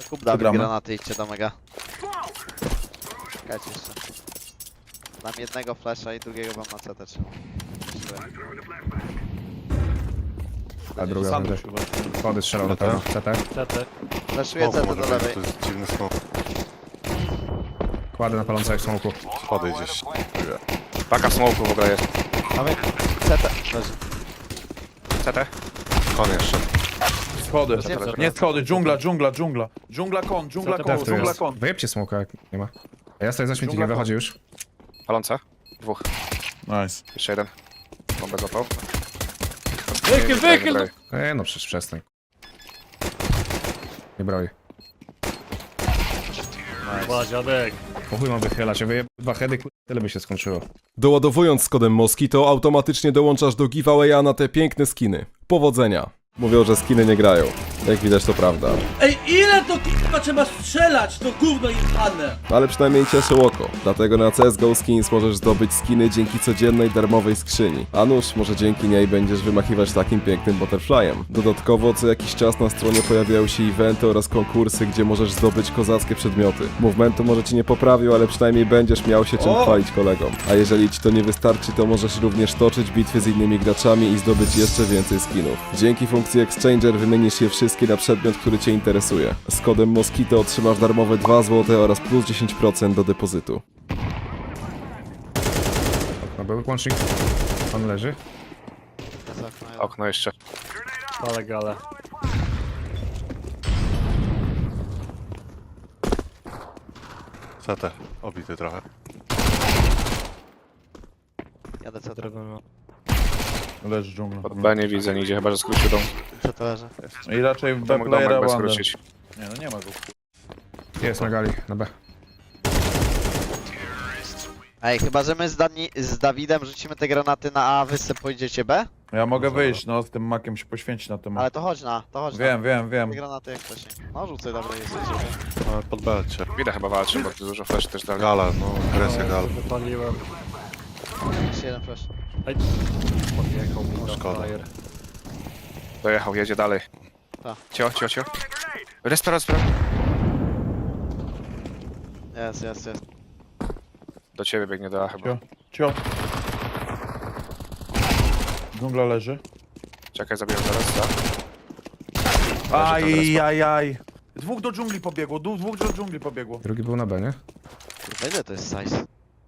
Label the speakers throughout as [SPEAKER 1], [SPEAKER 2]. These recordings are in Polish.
[SPEAKER 1] Kup Dawid
[SPEAKER 2] Przegramy.
[SPEAKER 1] granaty, idźcie do mega. Czekajcie jeszcze. Dam jednego flasha i drugiego wam na CT trzeba.
[SPEAKER 3] A druga
[SPEAKER 2] Sam
[SPEAKER 3] będzie.
[SPEAKER 2] chyba.
[SPEAKER 3] Schody strzelał na pewno. CT.
[SPEAKER 4] CT.
[SPEAKER 1] Flashuję
[SPEAKER 5] Smoku
[SPEAKER 1] CT
[SPEAKER 5] może
[SPEAKER 1] do
[SPEAKER 5] być,
[SPEAKER 1] lewej.
[SPEAKER 5] to jest dziwny smok.
[SPEAKER 3] Kładę na palące jak smoku.
[SPEAKER 5] Schody gdzieś.
[SPEAKER 6] Paka w smoku w ogóle jest.
[SPEAKER 1] Mamy CT. Leży.
[SPEAKER 6] CT?
[SPEAKER 5] Kon jeszcze.
[SPEAKER 2] Schody.
[SPEAKER 1] CT.
[SPEAKER 2] Nie schody, dżungla. Dżungla kon, dżungla
[SPEAKER 4] CT
[SPEAKER 2] kon,
[SPEAKER 3] Tu
[SPEAKER 2] dżungla
[SPEAKER 3] jest.
[SPEAKER 2] kon.
[SPEAKER 3] Wyjebcie smoka jak nie ma. A ja stoję za śmietnikiem,
[SPEAKER 2] Dżungla
[SPEAKER 3] wychodzi już.
[SPEAKER 6] Palące? Dwóch.
[SPEAKER 2] Nice.
[SPEAKER 6] Jeszcze jeden. Bombę złapał.
[SPEAKER 4] Wychyl!
[SPEAKER 3] No przecież przestań. Nie broi.
[SPEAKER 4] Chyba dziadek.
[SPEAKER 3] Po chuj mam wychylać, ja wyjeb 2 heady, tyle by się skończyło.
[SPEAKER 7] Doładowując z kodem Moskito automatycznie dołączasz do giveawaya na te piękne skiny. Powodzenia! Mówią, że skiny nie grają. Jak widać to prawda.
[SPEAKER 8] Ej, ile to k***a trzeba strzelać, to gówno jebane!
[SPEAKER 7] Ale przynajmniej cieszy oko. Dlatego na CSGO Skins możesz zdobyć skiny dzięki codziennej darmowej skrzyni. A nuż, może dzięki niej będziesz wymachiwać takim pięknym butterflyem. Dodatkowo co jakiś czas na stronie pojawiają się eventy oraz konkursy, gdzie możesz zdobyć kozackie przedmioty. Movementu może ci nie poprawił, ale przynajmniej będziesz miał się czym chwalić kolegom. A jeżeli ci to nie wystarczy, to możesz również toczyć bitwy z innymi graczami i zdobyć jeszcze więcej skinów. Dzięki funkcji Exchanger wymienisz je wszystkie na przedmiot, który cię interesuje. Z kodem Moskito otrzymasz darmowe 2 zł oraz plus 10% do depozytu.
[SPEAKER 3] No był łącznik. On leży.
[SPEAKER 1] Jest okno, jeden.
[SPEAKER 6] Okno jeszcze.
[SPEAKER 4] Ale gale.
[SPEAKER 5] CT. Obity trochę.
[SPEAKER 1] Jadę CT.
[SPEAKER 2] Leży dżungla.
[SPEAKER 6] Pod B nie widzę nigdzie, chyba że skrócił dom.
[SPEAKER 1] CT leży.
[SPEAKER 2] I raczej w
[SPEAKER 6] To
[SPEAKER 2] B
[SPEAKER 6] mógł
[SPEAKER 2] playera
[SPEAKER 6] domek B
[SPEAKER 2] Wander.
[SPEAKER 6] skrócić.
[SPEAKER 2] Nie no, nie ma go.
[SPEAKER 3] Jest na gali, na B.
[SPEAKER 1] Ej, chyba że my z Dawidem rzucimy te granaty na A, wy se pójdziecie B?
[SPEAKER 2] Ja mogę wyjść, no z tym makiem się poświęcić na tym.
[SPEAKER 1] Ale to chodź na.
[SPEAKER 2] Wiem.
[SPEAKER 1] Te granaty jak wcześniej. No rzucaj, dobra, jesteś.
[SPEAKER 5] Ale pod belcie.
[SPEAKER 6] Widzę chyba walczy, bo tu dużo flash też dali.
[SPEAKER 5] Gala, no agresja gala.
[SPEAKER 4] Wypaliłem.
[SPEAKER 1] Jeszcze jeden flash.
[SPEAKER 4] Ej. Podjechał mi na
[SPEAKER 5] szkoda.
[SPEAKER 4] fire.
[SPEAKER 6] Dojechał, jedzie dalej.
[SPEAKER 1] Tak.
[SPEAKER 6] Cio. Respira.
[SPEAKER 1] Jest.
[SPEAKER 6] Do ciebie biegnie do A chyba.
[SPEAKER 2] Cio. Dżungla leży.
[SPEAKER 6] Czekaj, zabiję zaraz, tak?
[SPEAKER 2] Aj. Dwóch do dżungli pobiegło, dwóch do dżungli pobiegło.
[SPEAKER 3] Drugi był na B, nie?
[SPEAKER 1] Kurwa, ile to jest size?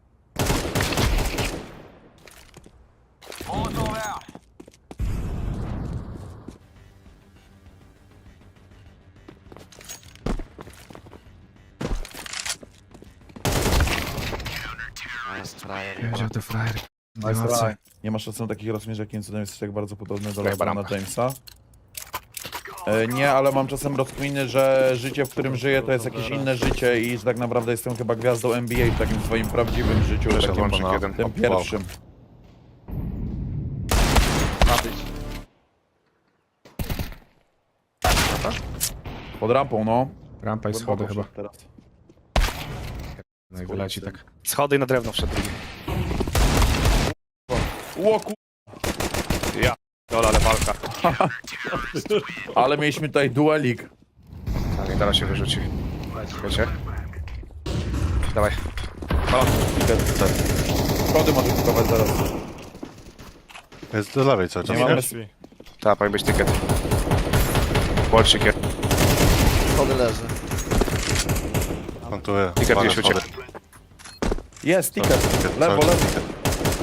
[SPEAKER 1] A jest frajer.
[SPEAKER 3] Wziął te frajery.
[SPEAKER 2] Nice. Nie masz szacunku takich rozmiarów, jakim cudem jesteś tak bardzo podobny do
[SPEAKER 6] Chyba
[SPEAKER 2] LeBrona
[SPEAKER 6] rampa.
[SPEAKER 2] Jamesa. Nie, ale mam czasem rozkminy, że życie, w którym żyję, to jest jakieś inne życie i że tak naprawdę jestem chyba gwiazdą NBA w takim swoim prawdziwym życiu,
[SPEAKER 5] Jeszcze
[SPEAKER 2] takim
[SPEAKER 5] włącznik jeden.
[SPEAKER 2] tym
[SPEAKER 5] Wow.
[SPEAKER 2] pierwszym.
[SPEAKER 1] Ma być.
[SPEAKER 2] Pod rampą, no.
[SPEAKER 3] Rampa i schody
[SPEAKER 2] Głęboko
[SPEAKER 3] chyba.
[SPEAKER 2] wszedł teraz.
[SPEAKER 3] No i wyleci tak.
[SPEAKER 6] Schody i na drewno wszedł.
[SPEAKER 2] Ło ku...
[SPEAKER 6] Dola, ale walka.
[SPEAKER 2] Ale mieliśmy tutaj duelik.
[SPEAKER 6] A nie teraz się wyrzuci. Wiecie? Dawaj.
[SPEAKER 2] Schody może kupować zaraz.
[SPEAKER 5] Jest do lewej cały czas.
[SPEAKER 2] Nie mamy...
[SPEAKER 6] Tak, powinien być ticket. Łącznik jest.
[SPEAKER 1] Schody leży.
[SPEAKER 5] Plantuję.
[SPEAKER 6] Ticket
[SPEAKER 5] Uwaga,
[SPEAKER 6] gdzieś uciekł.
[SPEAKER 5] schody.
[SPEAKER 2] Jest, ticket.
[SPEAKER 5] Ticket,
[SPEAKER 2] Lewo,
[SPEAKER 5] cały czas
[SPEAKER 2] lewo.
[SPEAKER 5] ticket.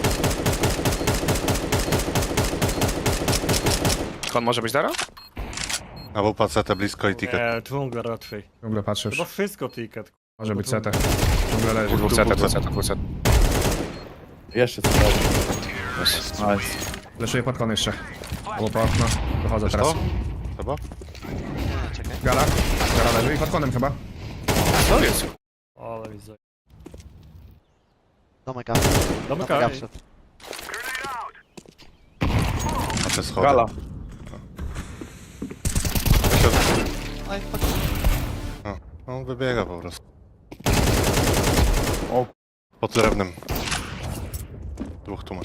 [SPEAKER 6] Kon może być dara?
[SPEAKER 5] Albo po CT blisko i ticket.
[SPEAKER 4] Nie, dżungla raczej.
[SPEAKER 3] Ciągle patrzę
[SPEAKER 4] Chyba
[SPEAKER 3] już.
[SPEAKER 4] wszystko ticket.
[SPEAKER 3] Może być CT. Ciągle leży.
[SPEAKER 6] Dwóch CT.
[SPEAKER 2] Jeszcze co robi. Nice.
[SPEAKER 3] Leszuję pod kon jeszcze. Albo po okno. Dochodzę
[SPEAKER 5] Wiesz
[SPEAKER 3] teraz.
[SPEAKER 5] to? Chyba?
[SPEAKER 1] Nie, czekaj.
[SPEAKER 3] Gala. Gala leży i pod konem chyba.
[SPEAKER 6] Co jest?
[SPEAKER 4] Ale widzę.
[SPEAKER 1] Domek A.
[SPEAKER 4] Domek
[SPEAKER 1] A
[SPEAKER 4] A.
[SPEAKER 1] wszedł.
[SPEAKER 5] A te schody.
[SPEAKER 2] Gala.
[SPEAKER 1] No i fuck.
[SPEAKER 5] On wybiega po prostu.
[SPEAKER 2] O,
[SPEAKER 5] Pod drewnem. Dwóch tu masz.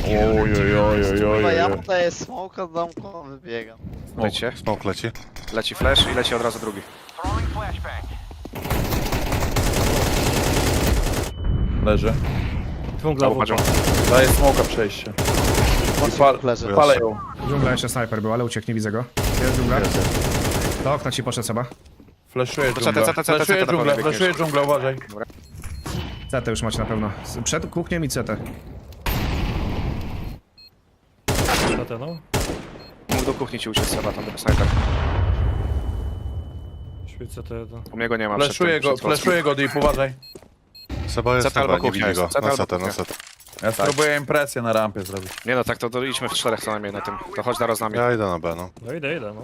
[SPEAKER 1] Chyba ja mu daję smoke, od domku wybiegam.
[SPEAKER 6] Lecie.
[SPEAKER 5] Smoke leci.
[SPEAKER 6] Leci flash i leci od razu drugi.
[SPEAKER 2] Leży.
[SPEAKER 4] Dżungla
[SPEAKER 6] Albo
[SPEAKER 4] wupa.
[SPEAKER 2] Daję smoka przejście.
[SPEAKER 1] Leży.
[SPEAKER 2] Palę ją.
[SPEAKER 3] Dżungla jeszcze snajper był, ale uciekł, nie widzę go. Jest dżungla. Do okna ci poszedł Seba.
[SPEAKER 2] Flashuję
[SPEAKER 6] CT,
[SPEAKER 2] dżunglę.
[SPEAKER 6] CT,
[SPEAKER 2] Flashuję
[SPEAKER 6] CT,
[SPEAKER 2] dżunglę,
[SPEAKER 6] CT,
[SPEAKER 2] flashuję dżunglę, uważaj.
[SPEAKER 3] CT już macie na pewno. Przed kuchnią i CT.
[SPEAKER 4] CT, no.
[SPEAKER 6] Mógł do kuchni ci uciec Seba, tam snajper.
[SPEAKER 4] Śpi CT1.
[SPEAKER 6] U mnie go nie ma. przed
[SPEAKER 2] Flashuję
[SPEAKER 6] tym,
[SPEAKER 2] go,
[SPEAKER 6] przed włosem.
[SPEAKER 2] flashuję go, Deep, uważaj.
[SPEAKER 5] Seba jest
[SPEAKER 6] CT albo
[SPEAKER 5] chyba, nie
[SPEAKER 6] kuchnia
[SPEAKER 5] widzi
[SPEAKER 6] jest.
[SPEAKER 5] go.
[SPEAKER 6] CT
[SPEAKER 5] Na
[SPEAKER 6] albo
[SPEAKER 5] CT, na
[SPEAKER 6] kuchnia.
[SPEAKER 5] CT.
[SPEAKER 2] Ja spróbuję impresję na rampie zrobić.
[SPEAKER 6] Nie no, tak to idźmy w czterech co najmniej na tym. To chodź teraz z nami.
[SPEAKER 5] Ja idę na B, no.
[SPEAKER 4] No idę, no.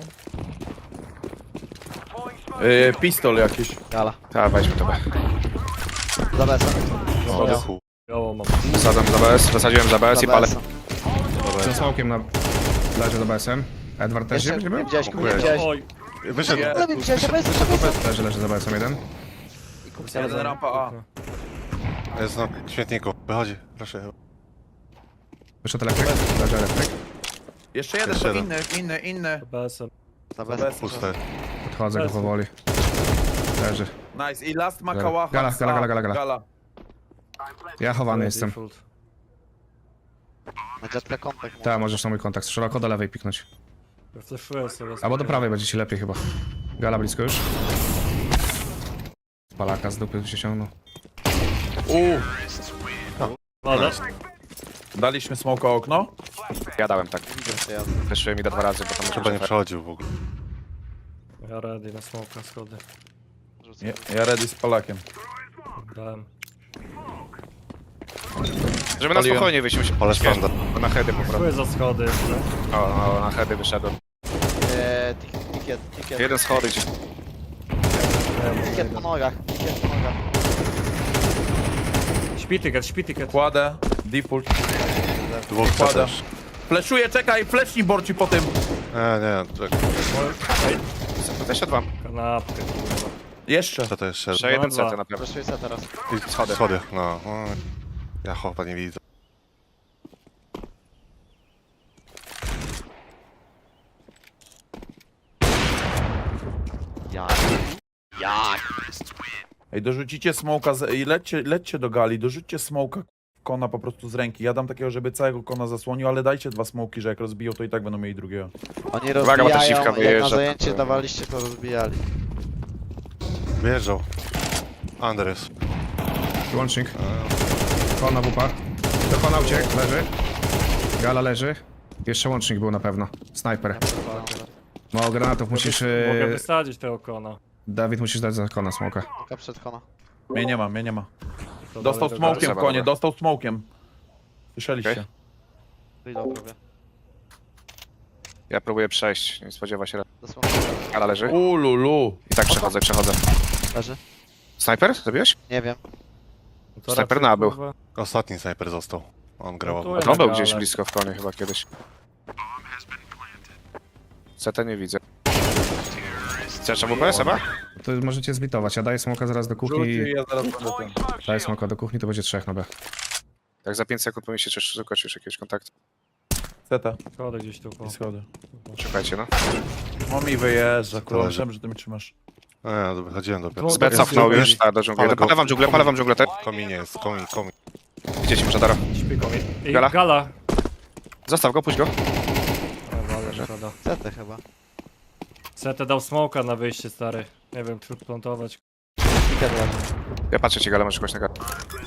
[SPEAKER 2] Pistol jakiś.
[SPEAKER 1] Gala.
[SPEAKER 6] Tak, weźmy to B.
[SPEAKER 1] Za BS.
[SPEAKER 5] O, do chuj.
[SPEAKER 4] Biało mam.
[SPEAKER 6] Wsadzam za BS, wysadziłem za BS i palę.
[SPEAKER 3] Ze smokiem na... Leży do BS-em. Edward też
[SPEAKER 1] Jeszcze
[SPEAKER 3] nie
[SPEAKER 1] nie
[SPEAKER 3] był?
[SPEAKER 1] widziałeś,
[SPEAKER 5] Dziękuję.
[SPEAKER 1] nie widziałeś.
[SPEAKER 4] Oj,
[SPEAKER 5] Wyszedł.
[SPEAKER 1] Ale widziałeś, że BS,
[SPEAKER 3] Leży za BS-em jeden.
[SPEAKER 2] Jeden rampa A.
[SPEAKER 5] Jest na śmietniku. Wychodzi, proszę.
[SPEAKER 3] Wyszedł elektryk. Leży elektryk.
[SPEAKER 2] Jeszcze jeden,
[SPEAKER 5] Jeszcze
[SPEAKER 2] to
[SPEAKER 5] jeden.
[SPEAKER 2] inny.
[SPEAKER 4] BS-em.
[SPEAKER 1] Za
[SPEAKER 2] Bez.
[SPEAKER 1] BS.
[SPEAKER 5] Puste.
[SPEAKER 3] Podchodzę go powoli. Leży.
[SPEAKER 2] Nice. I last ma
[SPEAKER 3] Gala.
[SPEAKER 2] kałacha.
[SPEAKER 3] Gala,
[SPEAKER 2] z
[SPEAKER 3] gala,
[SPEAKER 2] A.
[SPEAKER 3] gala, gala. Ja chowany jestem.
[SPEAKER 4] Default.
[SPEAKER 1] Na jetka kontakt.
[SPEAKER 3] Tak, możesz na mój kontakt. Szeroko do lewej piknąć.
[SPEAKER 4] Ja flashuję sobie.
[SPEAKER 3] Albo do prawej będzie ci lepiej chyba. Gala blisko już. Palaka z dupy się ciągnął.
[SPEAKER 4] Ale.
[SPEAKER 2] Daliśmy smoka okno.
[SPEAKER 6] Ja dałem tak.
[SPEAKER 1] Widzę, ja
[SPEAKER 6] Flashuję mi da 2 razy, bo tam
[SPEAKER 5] Chyba nie przechodził w ogóle.
[SPEAKER 4] Ja ready na smoke, na schody.
[SPEAKER 1] rzucę.
[SPEAKER 2] Ja ready z palakiem.
[SPEAKER 4] Dałem.
[SPEAKER 6] Żeby na
[SPEAKER 2] Paliłem.
[SPEAKER 6] spokojnie wyjść, musimy
[SPEAKER 5] Ale standa.
[SPEAKER 6] na heady po prostu.
[SPEAKER 4] Czuję za schody jeszcze.
[SPEAKER 6] O, na heady wyszedłem.
[SPEAKER 1] Ticket.
[SPEAKER 6] Jeden schody ci.
[SPEAKER 1] Ticket po nogach. Ticket po nogach.
[SPEAKER 4] Śpi ticket.
[SPEAKER 2] Kładę. Default.
[SPEAKER 5] Dwóch CT
[SPEAKER 2] Kładę.
[SPEAKER 5] też.
[SPEAKER 2] Flashuję, czekaj, flashnij borci po tym.
[SPEAKER 5] Nie, czekaj.
[SPEAKER 6] Jeszcze dwa.
[SPEAKER 4] Kanapkę, kurwa.
[SPEAKER 2] Jeszcze.
[SPEAKER 5] Co to jeszcze?
[SPEAKER 6] Jeszcze jeden
[SPEAKER 4] Dwa.
[SPEAKER 6] CT na pewno.
[SPEAKER 1] Wyszuję se teraz.
[SPEAKER 5] I schody. No. Ja chłopa nie widzę.
[SPEAKER 1] Jak?
[SPEAKER 2] Ej, dorzucicie smoka i lećcie do gali, dorzućcie smoka kona po prostu z ręki. Ja dam takiego, żeby całego kona zasłonił, ale dajcie 2 smoki, że jak rozbiją, to i tak będą mieli drugiego.
[SPEAKER 1] Oni
[SPEAKER 6] Uwaga, bo ta
[SPEAKER 1] rozbijają,
[SPEAKER 6] siwka
[SPEAKER 1] jak na
[SPEAKER 6] wyjeżdża.
[SPEAKER 1] zajęcie dawaliście, to rozbijali.
[SPEAKER 5] Wjeżdżał. Andres.
[SPEAKER 3] Łącznik. Kona wupa. Do kona uciekł, leży. Gala leży. Jeszcze łącznik był na pewno. Snajper. Mało granatów musisz...
[SPEAKER 4] Mogę wysadzić tego kona.
[SPEAKER 3] Dawid, musisz dać za kona smoka.
[SPEAKER 1] Tylko przed kona.
[SPEAKER 2] Mnie nie ma.
[SPEAKER 4] To
[SPEAKER 2] Dostał
[SPEAKER 4] dalej
[SPEAKER 2] smokiem
[SPEAKER 6] Dobra,
[SPEAKER 2] konie,
[SPEAKER 6] dobra.
[SPEAKER 2] dostał smokiem. Słyszeliście?
[SPEAKER 6] Okej.
[SPEAKER 1] Reload robię.
[SPEAKER 6] Ja próbuję przejść, nie spodziewa się.
[SPEAKER 1] Dosłownie.
[SPEAKER 6] Ale leży.
[SPEAKER 2] Ululu.
[SPEAKER 6] I tak przechodzę.
[SPEAKER 1] Leży?
[SPEAKER 6] Snajper? Zabiłeś?
[SPEAKER 1] Nie wiem.
[SPEAKER 4] To
[SPEAKER 6] Snajper
[SPEAKER 4] raczej,
[SPEAKER 6] nabył.
[SPEAKER 4] kurwa.
[SPEAKER 5] Ostatni snajper został. On grał.
[SPEAKER 4] No tu
[SPEAKER 6] A
[SPEAKER 4] jest
[SPEAKER 6] to on był
[SPEAKER 4] gala.
[SPEAKER 6] gdzieś blisko w konie chyba kiedyś. CT nie widzę. Chcesz AWP, Seba?
[SPEAKER 3] To możecie zbitować. Ja daję smoka zaraz do kuchni
[SPEAKER 2] Rzuci,
[SPEAKER 3] i
[SPEAKER 2] ja zaraz będę ten.
[SPEAKER 3] daję smoka do kuchni, to będzie 3 na B.
[SPEAKER 6] Jak za 5 sekund powinien się szukać już jakiegoś kontaktu.
[SPEAKER 2] Zeta
[SPEAKER 4] Schody gdzieś tu.
[SPEAKER 2] i schody.
[SPEAKER 6] Szukajcie, no.
[SPEAKER 2] O mi wyjeżdża, kurwa,
[SPEAKER 5] leży.
[SPEAKER 2] myślałem, że ty mnie trzymasz.
[SPEAKER 5] Nie, wychodziłem dopiero.
[SPEAKER 6] Z B cofnął już, tak, do dżungli.
[SPEAKER 5] Ale go-
[SPEAKER 6] Palę wam dżunglę, te.
[SPEAKER 5] Kominie jest, komin.
[SPEAKER 6] Widzicie może Dara.
[SPEAKER 4] Śpi komi. Ej,
[SPEAKER 6] Gala?
[SPEAKER 4] Gala.
[SPEAKER 6] Zostaw go, puść go.
[SPEAKER 4] Ale szkoda.
[SPEAKER 1] CT chyba.
[SPEAKER 4] CT dał smoka na wyjście, stary. Nie wiem, czy plantować.
[SPEAKER 1] Ticket leży.
[SPEAKER 6] Ja patrzę ci, Gala, masz kogoś na galę.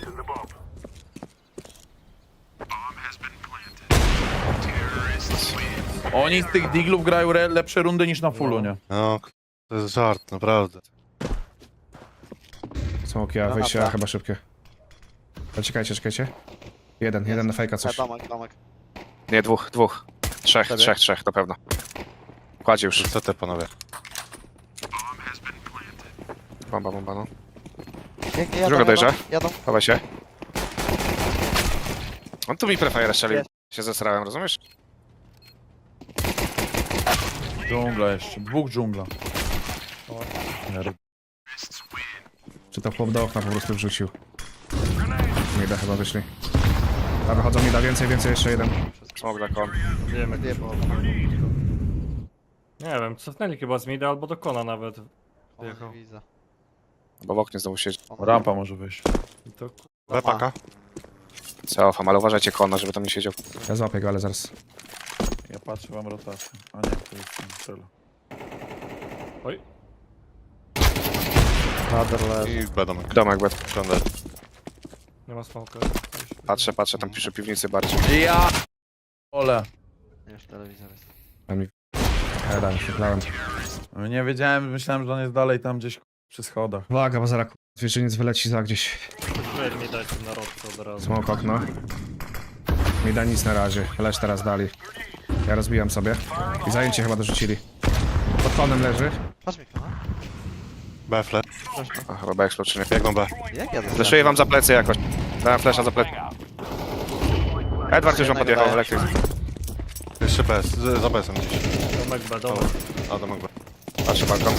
[SPEAKER 2] Oni z tych diglów grają lepsze rundy niż na fullu, nie?
[SPEAKER 5] No, to jest żart, naprawdę.
[SPEAKER 3] Smoki, a
[SPEAKER 1] Granata.
[SPEAKER 3] wyjścia chyba szybkie. Ale czekajcie. Jeden na fejka coś.
[SPEAKER 1] Domek.
[SPEAKER 6] Nie, dwóch. Trzech, na pewno. Kładzie już.
[SPEAKER 5] CT panowie.
[SPEAKER 6] Bomba, no.
[SPEAKER 1] Pięknie,
[SPEAKER 6] Druga dojrza.
[SPEAKER 1] Jadą.
[SPEAKER 6] Chowaj się. On tu mi prefire strzelił.
[SPEAKER 1] Jest.
[SPEAKER 6] Się zesrałem, rozumiesz?
[SPEAKER 2] Dżungla jeszcze, 2 dżungla.
[SPEAKER 3] Czy to chłop do okna po prostu wrzucił? Nie da chyba wyszli. A wychodzą mi da więcej, jeszcze jeden.
[SPEAKER 6] Smok dla kon.
[SPEAKER 4] Wiemy,
[SPEAKER 1] Wie,
[SPEAKER 4] gdzie
[SPEAKER 1] bo
[SPEAKER 4] Nie wiem, cofnęli chyba z mida albo do kona nawet. Wjechał.
[SPEAKER 1] nie widzę.
[SPEAKER 6] Bo w oknie znowu siedzi.
[SPEAKER 2] Rampa może wyjść.
[SPEAKER 4] I to
[SPEAKER 5] B paka.
[SPEAKER 6] Cofam, ale uważajcie kona, żeby tam nie siedział.
[SPEAKER 3] Ja złapię go, ale zaraz.
[SPEAKER 2] Ja patrzę wam rotację. A nie, to jest ten cel.
[SPEAKER 4] Oj,
[SPEAKER 5] I B domek.
[SPEAKER 6] Domek, bet.
[SPEAKER 5] Ciągle.
[SPEAKER 4] nie ma smoka.
[SPEAKER 6] Patrzę, tam pisze piwnicy bardziej.
[SPEAKER 2] Ja! Ole.
[SPEAKER 1] Już telewizor jest.
[SPEAKER 3] Ja myślałem.
[SPEAKER 2] Nie wiedziałem, myślałem, że on jest dalej tam gdzieś przy schodach.
[SPEAKER 3] Uwaga, bo zaraz zwierzyniec wyleci za gdzieś.
[SPEAKER 4] Weź mi dać na rodce od razu.
[SPEAKER 3] Smok okno. Mi da nic na razie. Leż teraz dali. Ja rozbijam sobie. I zajęcie chyba dorzucili. Pod konem leży.
[SPEAKER 1] Patrz mi no.
[SPEAKER 5] B flash.
[SPEAKER 6] A, chyba B explode czy nie.
[SPEAKER 5] Biegną B.
[SPEAKER 1] Jak ja
[SPEAKER 6] Fleszuję wam za plecy jakoś. Dałem flasha za plecy. Edward już wam podjechał, elektryk.
[SPEAKER 5] Jeszcze B. Za B są gdzieś.
[SPEAKER 4] Domek B, domek.
[SPEAKER 5] A domek B.
[SPEAKER 6] Patrzę balkon.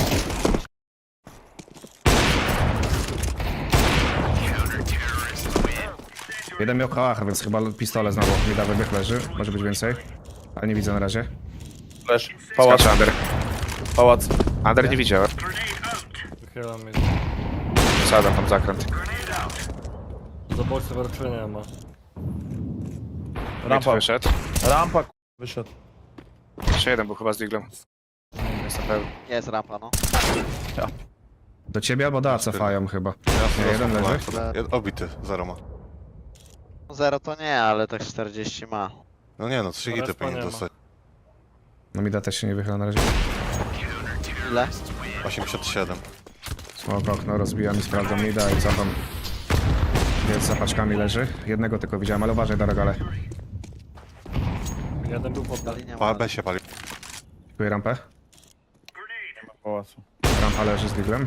[SPEAKER 3] Jeden miał kałach, więc chyba pistole znowu. Mi da wybieg leży. Może być więcej. Ale nie widzę na razie.
[SPEAKER 2] Flash. Pałac.
[SPEAKER 6] Skacze Under.
[SPEAKER 2] Pałac.
[SPEAKER 6] Under nie widziałem.
[SPEAKER 4] Wychylam mi.
[SPEAKER 6] Sadam tam zakręt.
[SPEAKER 4] Za boksem raczej nie ma.
[SPEAKER 2] Rampa.
[SPEAKER 6] Wyszedł.
[SPEAKER 2] Rampa wyszedł.
[SPEAKER 6] Jeszcze jeden był chyba z diglem. Nie jestem pewny.
[SPEAKER 1] Jest rampa, no.
[SPEAKER 3] Do ciebie albo da cofają chyba.
[SPEAKER 5] Ja
[SPEAKER 3] Nie, jeden leży.
[SPEAKER 5] Obity. Zero ma.
[SPEAKER 1] No zero to nie, ale tak 40 ma.
[SPEAKER 5] No nie no, 3 hity
[SPEAKER 4] Respa
[SPEAKER 5] powinien
[SPEAKER 4] nie ma.
[SPEAKER 5] dostać.
[SPEAKER 3] No mi da też się nie wychyla na razie.
[SPEAKER 1] Ile?
[SPEAKER 5] 87.
[SPEAKER 3] Smok okno, rozbijam i sprawdzam mida i cofam. Więc za paczkami leży. Jednego tylko widziałem, ale uważaj do regale.
[SPEAKER 4] Jeden był pod
[SPEAKER 1] Dali nie ma.
[SPEAKER 5] Pa, B się pali.
[SPEAKER 3] Dziękuję rampę.
[SPEAKER 2] Pałacu.
[SPEAKER 3] Rampa leży z diglem.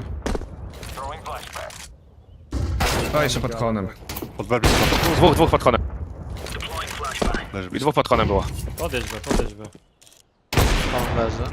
[SPEAKER 3] O, jeszcze pod konem.
[SPEAKER 5] Pod B blisko.
[SPEAKER 6] Dwóch pod konem.
[SPEAKER 5] Leży
[SPEAKER 6] I
[SPEAKER 5] blisko.
[SPEAKER 6] dwóch pod konem było.
[SPEAKER 4] Podjedź B, podjedź B.
[SPEAKER 1] On leży.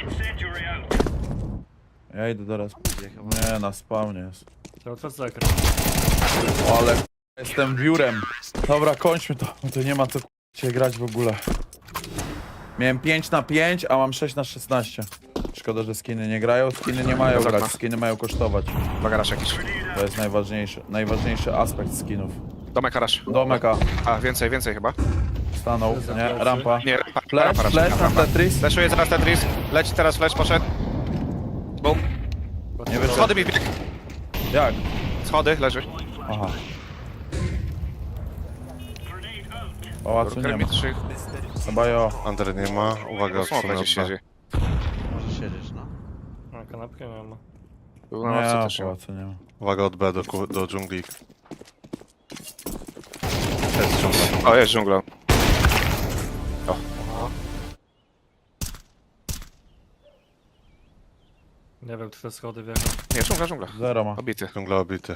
[SPEAKER 2] Ja idę do raz. Nie, na spawnie jest.
[SPEAKER 4] Cały czas zakręt.
[SPEAKER 2] O, ale jestem biurem. Dobra, kończmy to. Bo to nie ma co się grać w ogóle. Miałem 5 na 5, a mam 6 na 16. Szkoda, że skiny nie grają. Skiny nie mają
[SPEAKER 6] Dobra.
[SPEAKER 2] grać, skiny mają kosztować.
[SPEAKER 6] Bagaraż jakiś.
[SPEAKER 2] To jest najważniejszy aspekt skinów.
[SPEAKER 6] Domek harasz.
[SPEAKER 2] Domek A.
[SPEAKER 6] A, więcej chyba.
[SPEAKER 2] Stanął, nie? Rampa.
[SPEAKER 6] Nie, rampa.
[SPEAKER 2] Flash,
[SPEAKER 6] rampa raczej,
[SPEAKER 2] flash na
[SPEAKER 6] rampa.
[SPEAKER 2] Tetris.
[SPEAKER 6] Flashuje teraz Tetris. Leci teraz flash, poszedł. Bum.
[SPEAKER 2] Nie wyszedł.
[SPEAKER 6] Schody mi wbieg.
[SPEAKER 2] Jak?
[SPEAKER 6] Schody, leży.
[SPEAKER 2] Aha. Pałacu nie
[SPEAKER 6] Burger
[SPEAKER 2] ma.
[SPEAKER 6] mi 3.
[SPEAKER 2] Chyba jo.
[SPEAKER 5] Under nie ma. Uwaga,
[SPEAKER 6] Smok
[SPEAKER 5] odsunę
[SPEAKER 6] będzie
[SPEAKER 5] od B.
[SPEAKER 6] siedzi.
[SPEAKER 1] Może siedzieć, no.
[SPEAKER 4] A kanapkę nie ma.
[SPEAKER 6] Był na
[SPEAKER 2] Nie,
[SPEAKER 6] ławce też.
[SPEAKER 2] pałacu nie ma.
[SPEAKER 5] Uwaga od B do dżungli. Jest dżungla.
[SPEAKER 6] O, jest dżungla.
[SPEAKER 4] Nie wiem, czy te schody wjechał.
[SPEAKER 6] Nie, dżungla.
[SPEAKER 2] Zero ma.
[SPEAKER 6] Obity.
[SPEAKER 5] Dżungla obity.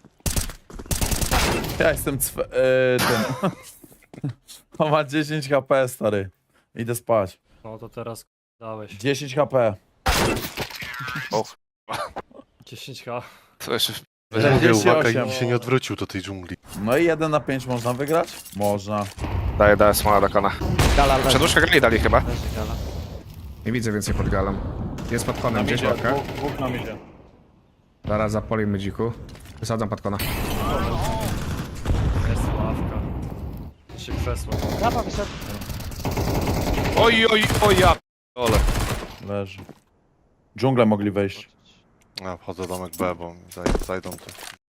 [SPEAKER 2] Ja jestem tym. On ma 10 HP, stary. Idę spać.
[SPEAKER 4] No to teraz dałeś.
[SPEAKER 2] 10 HP.
[SPEAKER 4] 10k.
[SPEAKER 6] To jeszcze...
[SPEAKER 5] Ja mówię, uwaga,
[SPEAKER 2] 48.
[SPEAKER 5] i się nie odwrócił do tej dżungli.
[SPEAKER 2] No i 1 na 5 można wygrać? Można.
[SPEAKER 6] Daję smoła do kona.
[SPEAKER 1] Gala leży.
[SPEAKER 6] Przedłużkę gali dali chyba.
[SPEAKER 1] Leży gala.
[SPEAKER 3] Nie widzę więcej pod galą. Jest pod konem gdzieś
[SPEAKER 2] Idzie,
[SPEAKER 3] łapka.
[SPEAKER 2] dwóch nam idzie.
[SPEAKER 3] Zaraz zapolimy dziku. Wysadzam pod kona.
[SPEAKER 4] Jest ławka. Się krzesło.
[SPEAKER 1] Rampa wyszedł.
[SPEAKER 6] Oj, ja p***ole.
[SPEAKER 2] Leży. Dżunglę mogli wejść.
[SPEAKER 5] Ja wchodzę do domek B, bo mi zajdą to.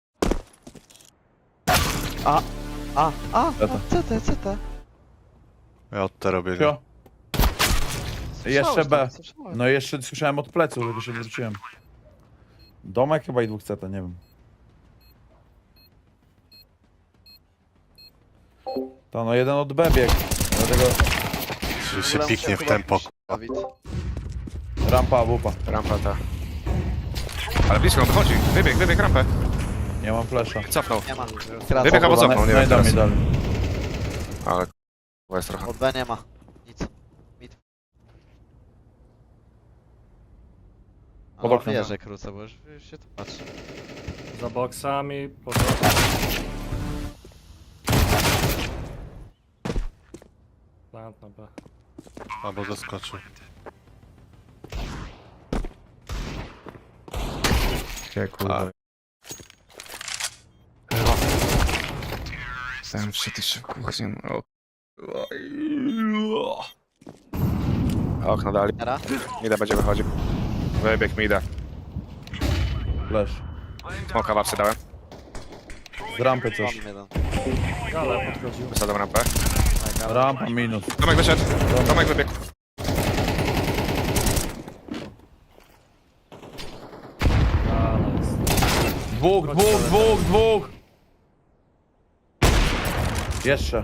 [SPEAKER 1] CT.
[SPEAKER 5] Ja od T robię.
[SPEAKER 2] Pio. Jeszcze B.
[SPEAKER 1] Słyszałeś.
[SPEAKER 2] No i jeszcze słyszałem od plecu, żeby się wróciłem. Domek chyba i 2 CT, nie wiem. To no jeden od B biegł. Dlatego
[SPEAKER 5] Czy się piknie w tempo.
[SPEAKER 1] Dawid.
[SPEAKER 2] rampa, wupa.
[SPEAKER 6] Rampa ta. Ale blisko on wychodzi. Wybieg rampę.
[SPEAKER 2] Nie mam flesza.
[SPEAKER 6] Cofnął.
[SPEAKER 1] Nie ma.
[SPEAKER 6] Wybieg albo cofnął, nie wiem
[SPEAKER 2] Znajdą mi
[SPEAKER 6] teraz.
[SPEAKER 2] dalej.
[SPEAKER 6] Ale k***a jest trochę.
[SPEAKER 1] Od B nie ma. Nic. Mid.
[SPEAKER 2] Pod
[SPEAKER 1] O,
[SPEAKER 2] oknem.
[SPEAKER 1] wierzę krócę, bo już się tu patrzy.
[SPEAKER 4] Za boksami, pod... Plant na B.
[SPEAKER 5] Albo zaskoczył.
[SPEAKER 3] Gdzie kurwa? Ten wszedł jeszcze w kuchnię. O.
[SPEAKER 6] Okno dali.
[SPEAKER 1] Era?
[SPEAKER 6] Mida będzie wychodził. Wybieg Mida.
[SPEAKER 2] Flash.
[SPEAKER 6] Smoka wapsy dałem.
[SPEAKER 2] Z rampy coś.
[SPEAKER 1] Mam jeden.
[SPEAKER 4] Gala podchodził.
[SPEAKER 6] Wysadzam rampę.
[SPEAKER 2] Rampa minus.
[SPEAKER 6] Tomek wyszedł. Tomek wybiegł.
[SPEAKER 4] Gala jest.
[SPEAKER 2] Dwóch! Jeszcze.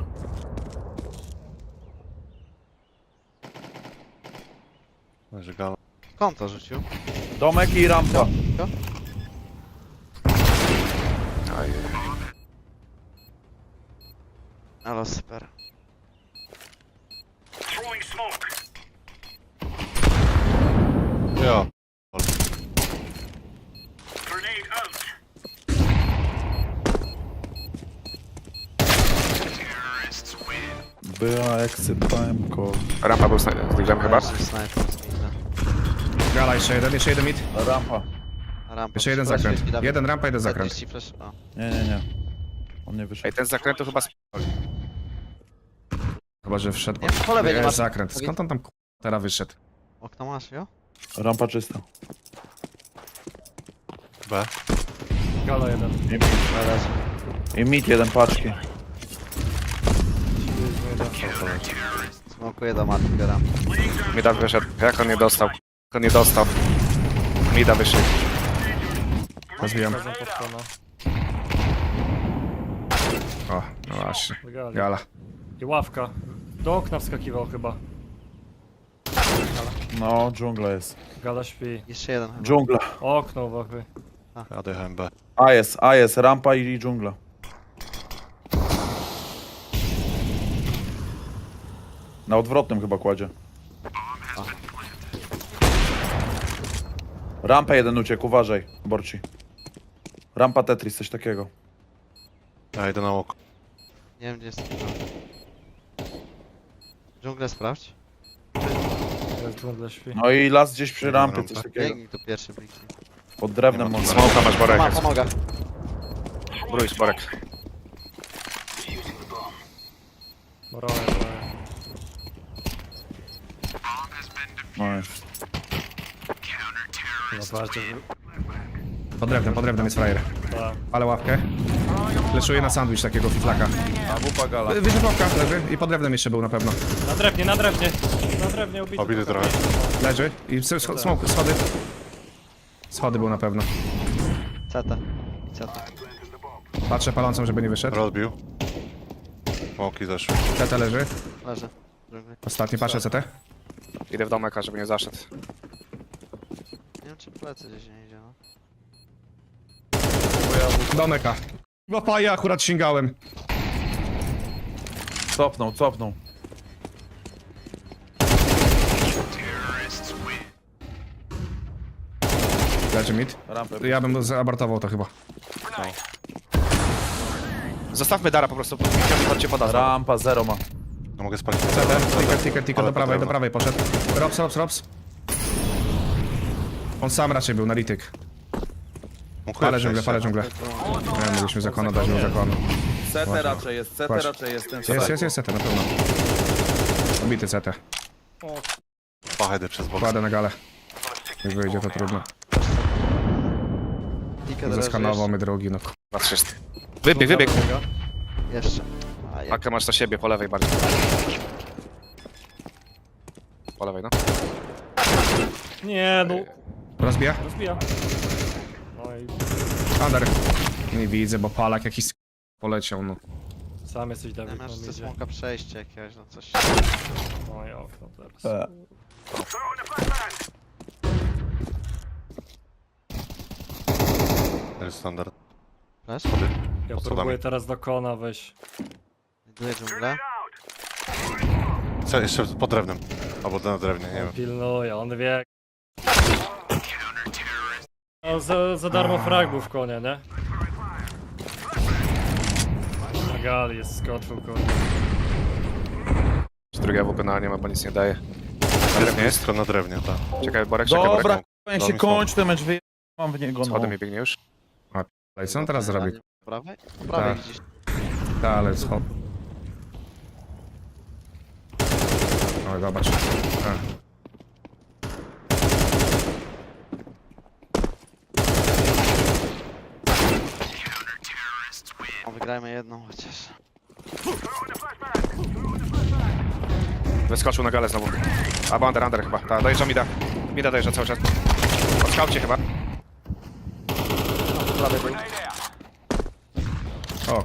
[SPEAKER 5] Leży gala.
[SPEAKER 1] Skąd to rzucił?
[SPEAKER 2] Domek i rampa.
[SPEAKER 6] Oj.
[SPEAKER 1] Ale super.
[SPEAKER 5] Ja.
[SPEAKER 2] Była exit time call.
[SPEAKER 6] Rampa był z Diglem chyba.
[SPEAKER 1] Leży snajper z mida.
[SPEAKER 3] Gala jeszcze jeden mid.
[SPEAKER 2] Rampa.
[SPEAKER 1] Rampa.
[SPEAKER 3] Jeszcze jeden
[SPEAKER 1] Flash
[SPEAKER 3] zakręt.
[SPEAKER 1] jest, Dawid.
[SPEAKER 3] Jeden rampa, jeden zakręt.
[SPEAKER 1] 40 flash. O.
[SPEAKER 2] Nie. On nie wyszedł.
[SPEAKER 6] Ej, ten z zakrętu chyba
[SPEAKER 3] Chyba, że wszedł.
[SPEAKER 1] Nie, po lewej nie
[SPEAKER 3] Jest
[SPEAKER 1] masz.
[SPEAKER 3] zakręt. Skąd on tam teraz wyszedł?
[SPEAKER 1] Okno masz, jo?
[SPEAKER 2] Rampa czysta.
[SPEAKER 5] B.
[SPEAKER 4] Gala jeden.
[SPEAKER 2] I mid jeden paczki.
[SPEAKER 1] Smokuję do matki, gram.
[SPEAKER 6] Mida wyszedł. Jak on nie dostał? Jak on nie dostał? Mida wyszedł.
[SPEAKER 3] Rozbijam.
[SPEAKER 4] Chodzą pod kona.
[SPEAKER 3] O, no właśnie.
[SPEAKER 4] Do gali.
[SPEAKER 3] Gala.
[SPEAKER 4] I ławka. Do okna wskakiwał chyba.
[SPEAKER 2] No, dżungla jest.
[SPEAKER 4] Gala śpi.
[SPEAKER 1] Jeszcze jeden chyba.
[SPEAKER 2] Dżungla.
[SPEAKER 4] Okno uwagi.
[SPEAKER 5] Ja dojechałem B.
[SPEAKER 2] A jest, rampa i dżungla. Na odwrotnym chyba kładzie. Rampa jeden uciekł, uważaj, Borci. Rampa Tetris, coś takiego.
[SPEAKER 5] Ja idę na oko.
[SPEAKER 1] Nie wiem gdzie jest. Dżunglę sprawdź.
[SPEAKER 4] Jest dżungla śpi.
[SPEAKER 2] No i las gdzieś przy rampie, coś takiego.
[SPEAKER 1] Biegnij tu pierwszy bliknie.
[SPEAKER 2] Pod drewnem może.
[SPEAKER 6] Smoka masz Borek.
[SPEAKER 1] Pomogę.
[SPEAKER 6] Brój, Borek.
[SPEAKER 4] Morale.
[SPEAKER 2] No jest.
[SPEAKER 4] Chyba bardziej.
[SPEAKER 3] Pod drewnem jest frajer.
[SPEAKER 4] Tak.
[SPEAKER 3] Ale łapkę. Leszuję na sandwich takiego fiflaka.
[SPEAKER 2] A wupa gala.
[SPEAKER 3] Wyżej łapka leży i pod drewnem jeszcze był na pewno.
[SPEAKER 4] Na drewnie, na drewnie. Na drewnie ubity.
[SPEAKER 5] Obity trochę.
[SPEAKER 3] Leży i smoke, schody. Schody był na pewno.
[SPEAKER 1] CT. I CT.
[SPEAKER 3] Patrzę palącą, żeby nie wyszedł.
[SPEAKER 5] Rozbił. Smoki zeszły.
[SPEAKER 3] CT leży.
[SPEAKER 1] Leży. Dżungli.
[SPEAKER 3] Ostatni patrzę CT.
[SPEAKER 6] Idę w domek, żeby nie zaszedł.
[SPEAKER 1] Nie wiem czy plecy gdzieś nie idzie, no.
[SPEAKER 3] Domeka. Łapa, ja akurat sięgałem.
[SPEAKER 2] Cofnął.
[SPEAKER 3] Leży mid.
[SPEAKER 2] Rampę.
[SPEAKER 3] Ja bym zaabortował to chyba.
[SPEAKER 6] Zostawmy Dara po prostu. Chodźcie poda.
[SPEAKER 2] Rampa zero ma.
[SPEAKER 5] No mogę spalić.
[SPEAKER 3] CT, ticket,
[SPEAKER 5] Ale
[SPEAKER 3] do prawej poszedł. Rops. On sam raczej był, analityk. Palę dżunglę. Nie, mogliśmy zakonu dać mu zakonu.
[SPEAKER 2] CT raczej jest,
[SPEAKER 3] Właśnie.
[SPEAKER 2] ten
[SPEAKER 3] Jest CT na pewno. Obity CT.
[SPEAKER 5] Pachedy przez bok.
[SPEAKER 3] Kładę na galę. Jak wyjdzie to trudno.
[SPEAKER 1] Ticket leży
[SPEAKER 3] Zeskanował mnie drogi, no.
[SPEAKER 6] Na 300. Wybieg.
[SPEAKER 1] Jeszcze. A, jak
[SPEAKER 6] Pakę masz na siebie, po lewej bardziej. Po lewej, no.
[SPEAKER 4] Nie, no.
[SPEAKER 3] Rozbija?
[SPEAKER 4] Rozbija. No i
[SPEAKER 3] Under. Nie widzę, bo palak jakiś poleciał, no.
[SPEAKER 4] sam jesteś Dawid,
[SPEAKER 1] nie
[SPEAKER 4] no
[SPEAKER 1] masz ze
[SPEAKER 4] idzie.
[SPEAKER 1] smoka przejście jakiegoś, no coś.
[SPEAKER 4] No i okno teraz.
[SPEAKER 5] To jest standard.
[SPEAKER 1] Flash?
[SPEAKER 4] Ja
[SPEAKER 5] pod
[SPEAKER 4] próbuję
[SPEAKER 5] schodami.
[SPEAKER 4] teraz do kona wejść.
[SPEAKER 1] Idę dżunglę.
[SPEAKER 5] Co, jeszcze pod drewnem. Albo na drewnie, nie
[SPEAKER 4] On
[SPEAKER 5] wiem.
[SPEAKER 4] pilnuje, on wie. No, za darmo frag był w konie, nie? Na gali jest skoczył konie.
[SPEAKER 6] Drugie AWP na nie ma, bo nic nie daje. Na drewnie jest?
[SPEAKER 5] Jest na drewnie, tak.
[SPEAKER 6] Czekaj, Borek, czekaj,
[SPEAKER 2] Dobra,
[SPEAKER 6] Borek.
[SPEAKER 2] jak
[SPEAKER 5] Dał
[SPEAKER 2] się
[SPEAKER 5] mi
[SPEAKER 2] kończy ten mecz, mam w niego, no.
[SPEAKER 6] Schodem mi biegnie już.
[SPEAKER 3] I co on teraz zrobi?
[SPEAKER 1] Po prawej? Po prawej
[SPEAKER 3] Tak.
[SPEAKER 1] widzisz.
[SPEAKER 3] Ta, ale schod. O, zobacz. A.
[SPEAKER 1] O, wygrajmy jedną chociaż.
[SPEAKER 6] Wyskoczył na galę znowu. A, under chyba. Tak, dojeżdża Mida. Mida dojeżdża cały czas. Po skaucie chyba.
[SPEAKER 1] Po prawej był.
[SPEAKER 3] O.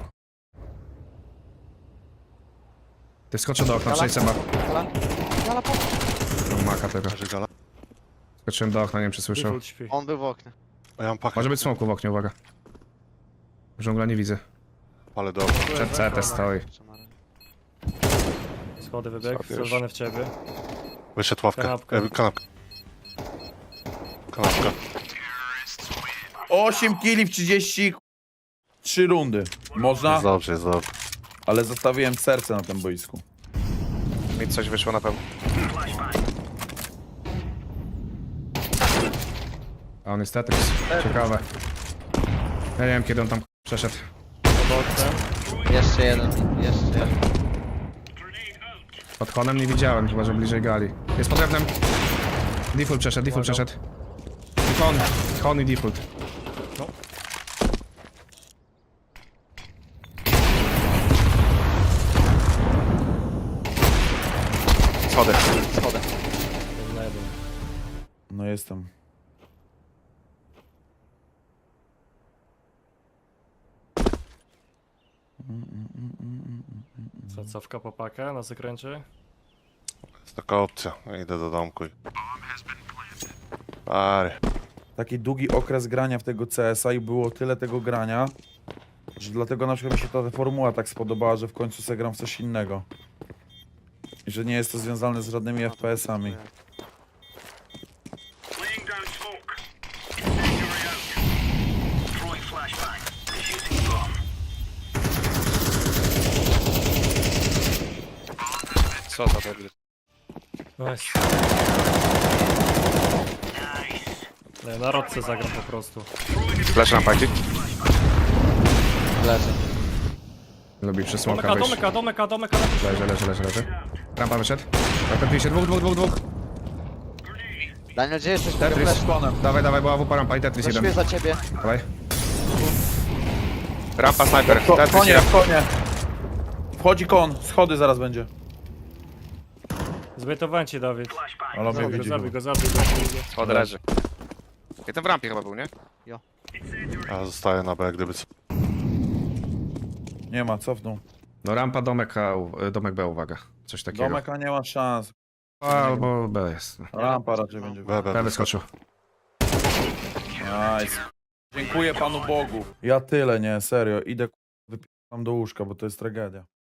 [SPEAKER 3] Ty skoczył do okna, przejdź Seba.
[SPEAKER 1] Gala? Gala po...
[SPEAKER 3] No, maka tego.
[SPEAKER 5] Leży gala.
[SPEAKER 3] Skoczyłem do okna, nie wiem czy słyszał.
[SPEAKER 4] Default śpi.
[SPEAKER 1] On był w oknie.
[SPEAKER 5] A ja mam pakę.
[SPEAKER 3] Może być smoku w oknie, uwaga. Żongla nie widzę.
[SPEAKER 5] Ale dobra.
[SPEAKER 3] Przed CT stoi.
[SPEAKER 4] Schody wybieg,
[SPEAKER 6] Schody już.
[SPEAKER 4] celowany w ciebie.
[SPEAKER 5] Wyszedł ławkę.
[SPEAKER 4] Kanapka.
[SPEAKER 5] Kanapka. Kanapka.
[SPEAKER 2] 8 killi w 33 rundy. Można?
[SPEAKER 5] Jest dobrze, jest dobrze.
[SPEAKER 2] Ale zostawiłem serce na tym boisku.
[SPEAKER 6] Mi coś wyszło na pewno.
[SPEAKER 3] A on jest Tetris. Ciekawe. Ja nie wiem kiedy on tam przeszedł.
[SPEAKER 4] Pod oknem.
[SPEAKER 1] Jeszcze jeden. Jeszcze jeden.
[SPEAKER 3] Pod konem nie widziałem, chyba że bliżej gali. Jest pod drewnem. Default przeszedł, default przeszedł. I kon i default.
[SPEAKER 6] Schody.
[SPEAKER 1] Schodę.
[SPEAKER 4] Jeden na jeden.
[SPEAKER 2] No jestem.
[SPEAKER 4] Co, cofka po pakę na zakręcie?
[SPEAKER 5] Jest taka opcja. Idę do domku i... Pary.
[SPEAKER 2] Taki długi okres grania w tego CS-a i było tyle tego grania, że dlatego na przykład mi się ta formuła tak spodobała, że w końcu se gram w coś innego. I że nie jest to związane z żadnymi FPS-ami.
[SPEAKER 6] Co za debil.
[SPEAKER 4] Nice. Nie, na rodce zagram po prostu.
[SPEAKER 6] Flash rampa, gdzie?
[SPEAKER 1] Leży.
[SPEAKER 3] Lubi przy smoka
[SPEAKER 4] Domeka,
[SPEAKER 3] wyjść.
[SPEAKER 4] domeka.
[SPEAKER 3] Leży. Rampa wyszedł. Rapetuje się, dwóch.
[SPEAKER 1] Daniel, gdzie jesteś?
[SPEAKER 3] Tetris.
[SPEAKER 1] Flash.
[SPEAKER 3] Dawaj, była wupa rampa i Tetris
[SPEAKER 1] Zaszuję
[SPEAKER 3] jeden.
[SPEAKER 1] za ciebie.
[SPEAKER 3] Dawaj.
[SPEAKER 6] Rampa, sniper. Tetris,
[SPEAKER 2] Konie,
[SPEAKER 6] rampa.
[SPEAKER 2] konie. Wchodzi kon, schody zaraz będzie.
[SPEAKER 4] Zbytowałem cię, Dawid.
[SPEAKER 2] Ale mnie widzi.
[SPEAKER 4] Zabij go.
[SPEAKER 6] Schody leży. Jeden w rampie chyba był, nie?
[SPEAKER 5] Ja zostaję na B, gdyby co.
[SPEAKER 2] Nie ma, cofnął.
[SPEAKER 3] No rampa, domek B, uwaga. Coś takiego.
[SPEAKER 2] Domek, a nie ma szans.
[SPEAKER 3] Albo B jest.
[SPEAKER 2] Rampa raczej będzie.
[SPEAKER 5] B, B,
[SPEAKER 3] B
[SPEAKER 5] B.
[SPEAKER 3] wyskoczył.
[SPEAKER 2] Nice. Dziękuję Panu Bogu. Ja tyle, nie, serio. Idę wypijam do łóżka, bo to jest tragedia.